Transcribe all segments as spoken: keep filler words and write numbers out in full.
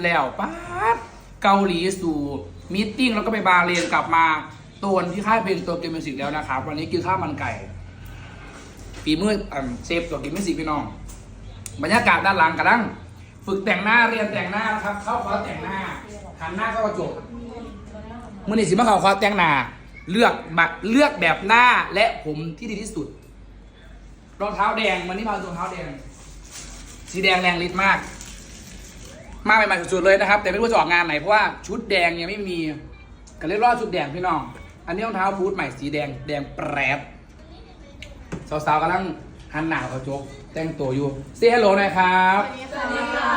แล้วป๊าดเกาหลีสู่มีตติ้งแล้วก็ไปบาเลนกลับมาตัวที่ค่ายเพลงตัวเกมมิวสิกแล้วนะครับวันนี้กินข้าวมันไก่ฝีมือเชฟตัวเกมมิวสิกพี่น้องบรรยากาศด้านหลังกระดังฝึกแต่งหน้าเรียนแต่งหน้านะครับเข้าคอร์สแต่งหน้าหันหน้าเข้ากระจกมื่อนี้สิมาเข้าคอร์สแต่งหน้าเลือกเลือกแบบหน้าและผมที่ดีที่สุดรองเท้าแดงวันนี้มารองเท้าแดงสีแดงแรงฤทธิ์มากมาใหม่ๆสุดๆเลยนะครับแต่ไม่รู้จะออกงานไหนเพราะว่าชุดแดงยังไม่มีก็เลยรอดชุดแดงพี่น้องอันนี้รองเท้าบูทใหม่สีแดงแดงแปรดสาวๆกำลังหันหน้ากระจกแต่งตัวอยู่เซ่ฮัลโหลหน่อยครับสวัสดีค่ะ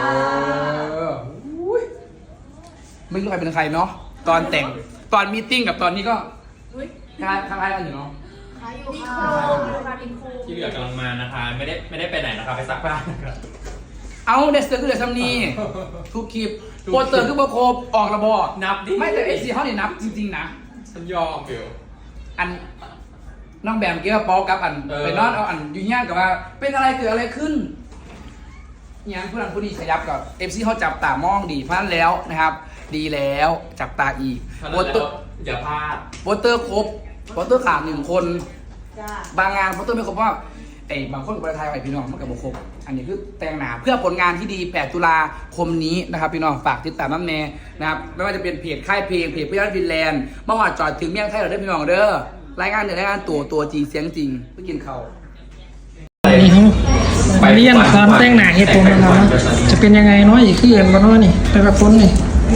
ไม่รู้ใครเป็นใครเนาะตอนแต่งตอนมีตติ้งกับตอนนี้ก็คล้ายคล้ายกันอยู่เนาะคล้ายอยู่ค่ะที่เหลือกำลังมานะคะไม่ได้ไม่ได้ไปไหนนะคะไปซักผ้านะครับเอาเดสเตอร์คือเดซัมนีทุกคลิปโปรเตอร์คือโปรโคบออกระบอกนับดิไม่แต่เอซีเขาเนี่ยนับจริงๆนะฉันยอมเบลอันน้องแบมเกี่ยวกับป๊อกกับอันไปนอนเอาอันยุ่งยากกับว่าเป็นอะไรเกิดอะไรขึ้นเนี่ยผู้นั้นผู้นี้ขยับกับเอฟซีเขาจับตามองดีเพราะนั้นแล้วนะครับดีแล้วจับตาอีกโปรเตอร์อย่าพลาดโปรเตอร์ครบโปรเตอร์ขาดหนึ่งคนบางงานโปรเตอร์ไม่ครบเพราะไอ้บางคนกับประเทศไทยไปพี่น้องมันกับบุคคลอันนี้คือแต่งหนาเพื่อผลงานที่ดีแปดตุลาคมนี้นะครับพี่น้องฝากติดตามน้ำแน่นะครับไม่ว่าจะเป็นเพจค่ายเพลงเพจพี่ยอดฟินแลนด์เมื่อวานจอดถึงเมี่ยงไทยเราได้พี่น้องเด้อรายงานเดี๋ยวรายงานตัวตัวจริงเสียงจริงไปกินเขานี่เขาไปเรียนตอนแต่งหน้าเฮ็ดผมนะครับจะเป็นยังไงน้อยอีกขึ้นบ้างนี่แต่ละคนนี่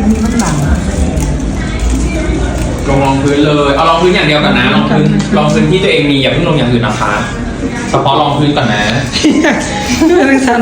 ลงรองพื้นเลยเอารองพื้นอย่างเดียวก่อนนะรองพื้นรองพื้นที่ตัวเองมีอย่าเพิ่งลงอย่างอื่นนะคะเฉพาะรองพื้นก่อนนะด้วยทั้งสัน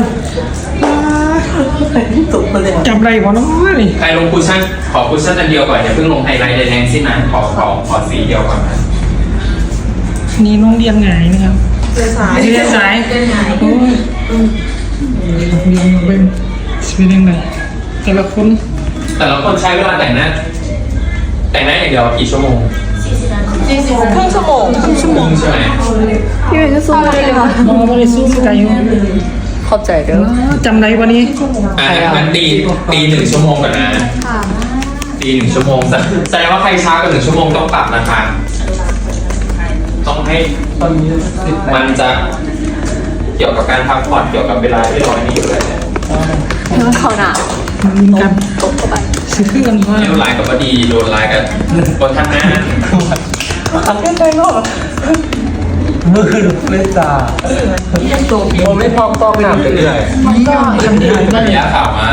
จำไรวะน้อยนี่ใครลงคุชชั่นขอคุชชั่นอันเดียวก่อนอย่าเพิ่งลงไฮไลท์แดงๆสินะขอขอขอสีเดียวก่อนนะนี่น้องเรียนไงนะครับเรียนสายเรียนสายเรียนไงโอ้ยเรียนเป็นชีวิตยังไงแต่ละคนแต่ละคนใช้เวลาแต่งหน้าแต่งหน้าอย่างเดียวกี่ชั่วโมงสี่สิบครึ่งชั่วโมงครึ่งชั่วโมงใช่ไหมพี่เป็นจะสู้ได้เลยค่ะมองไม่ได้สู้ใจเข้าใจเด้อจำไรวันนี้อ่างั้นตีตีหนึ่งชั่วโมงก่อนนะตีหนึ่งชั่วโมงแสดงว่าใครช้ากว่าหนึ่งชั่วโมงต้องปรับนะคะต้องให้มันจะเกี่ยวกับการพักผ่อนเกี่ยวกับเวลาที่เราไม่อยู่เลยเนี่ยเขาหนาวกันตกเข้าไปซื้อเครื่องว่าโดนไลน์กับว่าดีโดนไลน์กันบนท่านหน้าทำยังไงเนาะมือเล่นตาผมไม่พร้อมต้องหนักไปเลยระยะข่าวมา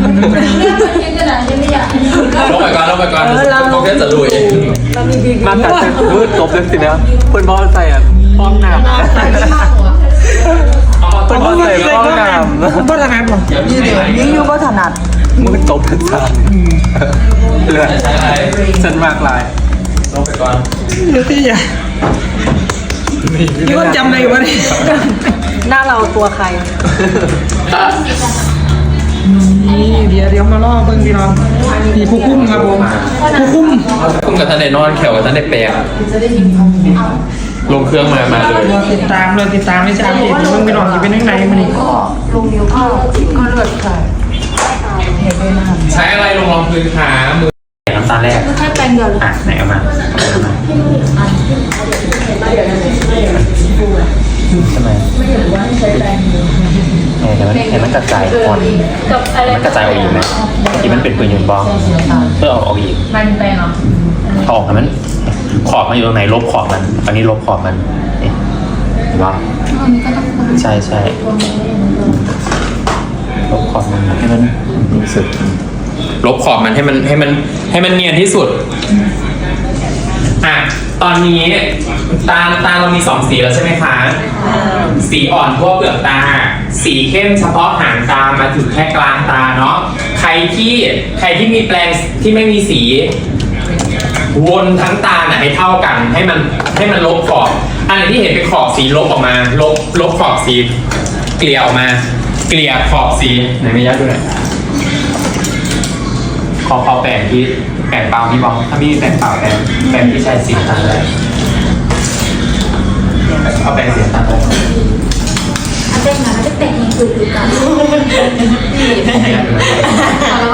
ลงไปก่อนลงไปก่อนผมแค่จะลุยมาตัดเส้นมืดจบเลยสินะคนบอลใส่อ่ะพร้อมหนักคนบอลใส่พร้อมหนักก็ถนัดหรอยี่เดียวยิ่งยุ่งก็ถนัดมือจบเลยจ้าเลือดเส้นมากลายลงไปก่อนเดี๋ยวที่อย่าพี่ว่าจำได้วะนี่หน้าเราตัวใครนี่เดี๋ยวเดี๋ยวมาล่อเบิ้งพี่น้องนี่ผู้คุ้มครับผมผู้คุ้มคุ้มกับท่านในนอนแขวกับท่านในแปลงลงเครื่องมามาเลยติดตามเลยติดตามไม่ใช่เบิ้งพี่น้องจะเป็นยังไงมันนี่ก็ลงเดียวก็ก็เลือดค่ะใช้อะไรลงรองพื้นขามือน้ำตาแรกแค่แปรงเดียวเลยอ่ะไหนเอามาใช่ไหมไม่เห็นว่าใช้แปรงเห็นมันเห็นมันกระจายคนมันกระจายออกอีกไหมที่มันเป็นปืนยิงบอลเพื่อเอาออกอีกมันแปรงเหรอออกมันขอบมันอยู่ตรงไหนลบขอบมันอันนี้ลบขอบมันเห็นปะใช่ใช่ลบขอบมันให้มันรู้สึกลบขอบมันให้มันให้มันให้มันเนียนที่สุดอ่ะตอนนี้ตาตาเรามีสองสีแล้วใช่ไหมคะสีอ่อนทั่วเปลือกตาสีเข้มเฉพาะหางตามาถึงแค่กลางตาเนาะใครที่ใครที่มีแปรงที่ไม่มีสีวนทั้งตาน่ะให้เท่ากันให้มันให้มันลบขอบอันไหนที่เห็นเป็นขอบสีลบออกมาลบลบขอบสีเกลี่ยออกมาเกลี่ยขอบสีไหนไม่ยัดด้วยขอขอแปรงที่แปรงเปล่าพี่บอลถ้าพี่แปรงเปล่าแปรงแปรงที่ใช้สีตัดเลยเอาแปรงสีตัดเลยอันเด็กนะอันเด็กแต่งคือคือกัน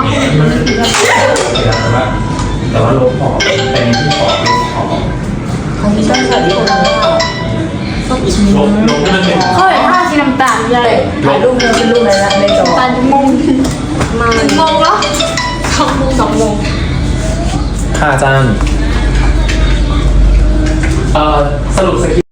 แต่ว่าลบขอบเป็นที่ขอบลบขอบเขาไม่ใช่แบบนี้คนละลบลบที่มันเป็นเขาเห็นภาพสีน้ำตาลเลยถ่ายรูปเนื้อเป็นรูปอะไรละในจอตาลมงมาหนึ่งโมงแล้วสองโมงสองโมงค่าจ้างเอ่อสรุปสคริปต์